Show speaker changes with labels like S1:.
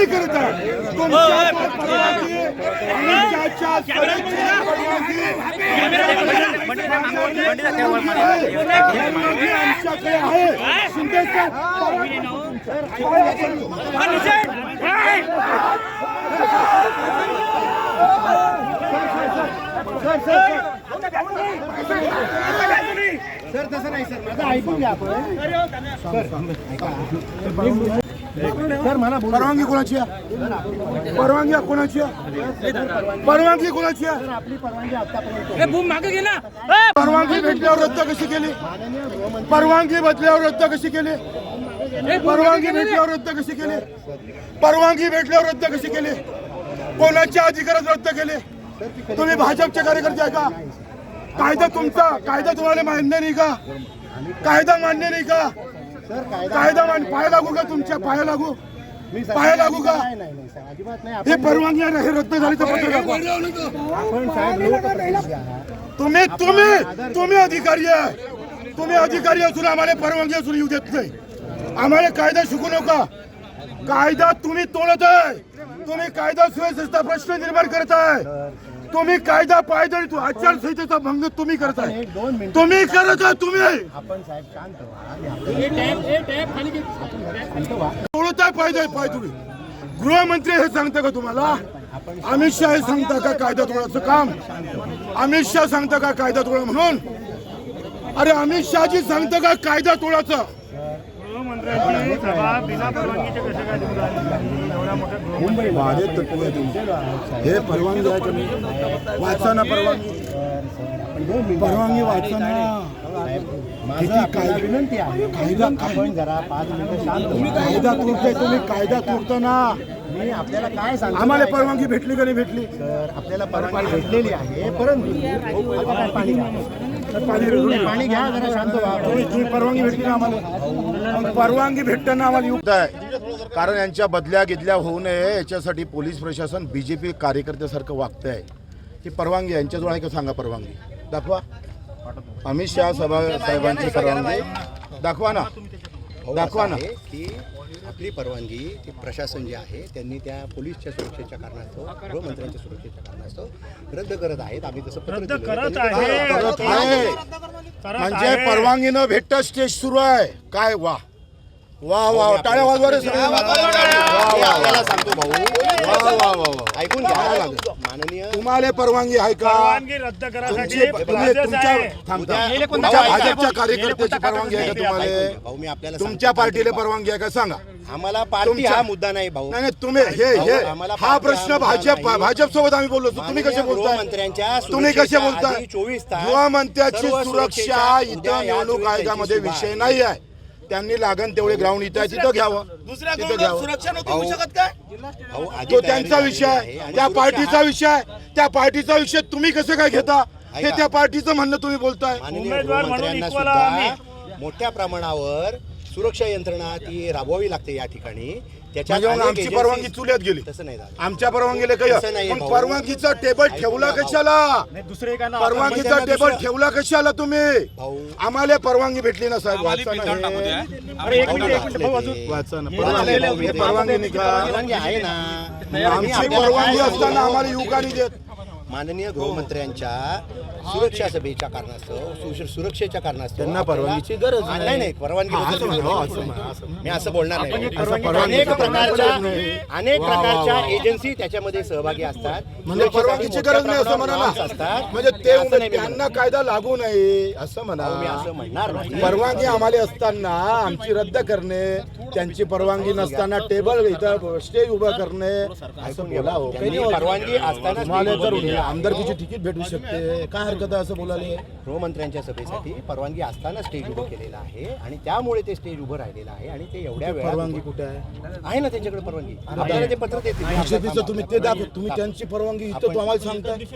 S1: करत आहे तुमच्या परवानगी आमच्याच्या परवानगी आमच्याकडे आहे शिंदे
S2: सर तसं नाही सर माझं ऐकून घ्या आपण सर मला
S1: परवानगी कोणाची आहे परवानगी कोणाची आहे परवानगी कोणाची आहे
S2: आपली परवानगी आतापर्यंत
S3: मागे घे ना
S1: परवानगी भेटल्यावर रद्द कशी केली परवानगी बदल्यावर रद्द कशी केली परवानगी भेटल्यावर रद्द कशी केली परवानगी भेटल्यावर रद्द कशी केली कोणाच्या अधिकारात रद्द केले तुम्ही भाजपचे कार्यकर्ते आहे का कायदा तुमचा कायदा तुम्हाला मान्य नाही का कायदा मान्य नाही का कायदा पाया लागू का तुमच्या पाया लागू पाया लागू का
S2: अजिबात नाही
S1: हे परवानगी आहे हे रद्द झाली तर पत्र दाखवा
S2: आपण साहेब लोकप्रतिनिधी आहात.
S1: तुम्ही तुम्ही तुम्ही अधिकारी आहे तुम्ही अधिकारी असून आम्हाला परवानगी असून येऊ देत नाही आम्हाला कायदा शिकू नका कायदा तुम्ही तोडत आहे तुम्ही कायदा सुव्यवस्थेचा प्रश्न निर्माण करत आहे तुम्ही कायदा पायदळी आचारसंहितेचा भंग तुम्ही करताय तुम्ही करत आहे तुम्ही
S2: आपण साहेब शांत व्हा
S1: तोडताय पाय तुम्ही गृहमंत्री हे सांगता का तुम्हाला अमित शहा हे सांगता का कायदा तोडायचं काम अमित शहा सांगता का कायदा तोडा म्हणून अरे अमित शहाजी सांगता का कायदा तोडायचं
S2: मुंबई
S1: हे परवानगी आहे तुम्ही वाचा ना परवानगी परवानगी वाचा ना
S2: माझी कायदा विनंती आहे
S1: कायदा
S2: आपण जरा 5 मिनिटं शांत व्हा.
S1: कायदा तोडताय तुम्ही कायदा तोडता ना
S2: मी आपल्याला काय सांगतो
S1: आम्हाला परवानगी भेटली का नाही भेटली
S2: सर आपल्याला परवानगी भेटलेली आहे परंतु आता काय पाणी घ्या पाणी घ्या जरा शांत व्हा
S1: तुम्ही परवानगी भेटली ना आम्हाला परवानगी भेटताना आम्हाला युक्त आहे कारण यांच्या बदल्या गिदल्या होऊ नये याच्यासाठी पोलीस प्रशासन बीजेपी कार्यकर्त्यासारखं वागत आहे ही परवानगी यांच्याजवळ आहे का सांगा परवानगी दाखवा अमित शहा साहेबांची परवानगी दाखवा ना दाखवा ना
S4: की आपली परवानगी ती प्रशासन जे आहे त्यांनी त्या पोलीसच्या सुरक्षेच्या कारणास्तव गृहमंत्र्यांच्या सुरक्षेच्या कारणास्तव रद्द करत आहेत आम्ही तसं पत्र दिलं
S1: करत आहे म्हणजे परवानगी न भेटता स्टेज सुरू आहे काय वा वा वा टाळ्या वाजवा रे सगळे
S4: आपल्याला सांगतो भाऊ
S1: वा वा वा
S4: ऐकून घ्या माननीय
S1: तुम्हाला परवानगी आहे का
S3: रद्द
S1: तुमच्या भाजपच्या कार्यकर्त्याची परवानगी आहे का तुम्हाला
S4: भाऊ मी आपल्याला
S1: तुमच्या पार्टीला परवानगी आहे का सांगा
S4: आम्हाला पार्टी हा मुद्दा नाही भाऊ
S1: नाही तुम्ही हे हा प्रश्न भाजप सोबत आम्ही बोललो तुम्ही कसे बोलताय
S4: गृहमंत्र्यांच्या
S1: तुम्ही कसे बोलताय
S4: 24 तास
S1: गृहमंत्र्याची सुरक्षा इथं निवडणूक आयोगामध्ये विषय नाही आहे त्यांनी लागण तेवढे ग्राउंड इथं आहे तिथं घ्यावं तिथं घ्यावं तो त्यांचा विषय आहे त्या पार्टीचा विषय आहे त्या पार्टीचा विषय तुम्ही कसं काय घेता हे त्या पार्टीचं म्हणणं तुम्ही बोलताय
S4: माननीय गृहमंत्र्यांना सुद्धा मोठ्या प्रमाणावर सुरक्षा यंत्रणा ती राबवावी लागते या ठिकाणी
S1: म्हणजे आमची परवानगी चुल्यात गेली
S4: तसं नाही झालं
S1: आमच्या परवानगीला काय मग परवानगीचा टेबल ठेवला कशाला परवानगीचा टेबल ठेवला कशाला तुम्ही आम्हाला परवानगी भेटली ना साहेब वाचा ना परवानगी नाही का
S4: परवानगी आहे ना
S1: आमची परवानगी असताना आम्हाला युवकांनी देत
S4: माननीय गृहमंत्र्यांच्या सुरक्षा सभेच्या कारणास्तव सुरक्षेच्या कारणास्तव
S1: त्यांना परवानगीची गरज
S4: नाही परवानगी मी असं बोलणार नाही अनेक प्रकारच्या एजन्सी त्याच्यामध्ये सहभागी असतात
S1: म्हणजे परवानगीची गरज नाही असं म्हणा
S4: असतात
S1: म्हणजे ते त्यांना कायदा लागू नये असं म्हणा
S4: मी असं म्हणणार नाही
S1: परवानगी आम्हाला असताना आमची रद्द करणे त्यांची परवानगी नसताना टेबल इथं स्टेज उभं करणे असं बोला हो
S4: परवानगी असताना
S1: आमदारकीची तिकीट भेटू शकते काय हरकत आहे असं बोलायला
S4: गृहमंत्र्यांच्या सभेसाठी परवानगी असताना स्टेज उभं केलेलं आहे आणि त्यामुळे ते स्टेज उभं राहिलेलं आहे आणि ते एवढ्या वेळा
S1: परवानगी कुठे आहे
S4: ना त्यांच्याकडे परवानगी आपल्याला ते पत्र देतील
S1: तुम्ही ते दाखव तुम्ही त्यांची परवानगी इथं तुम्हाला सांगताय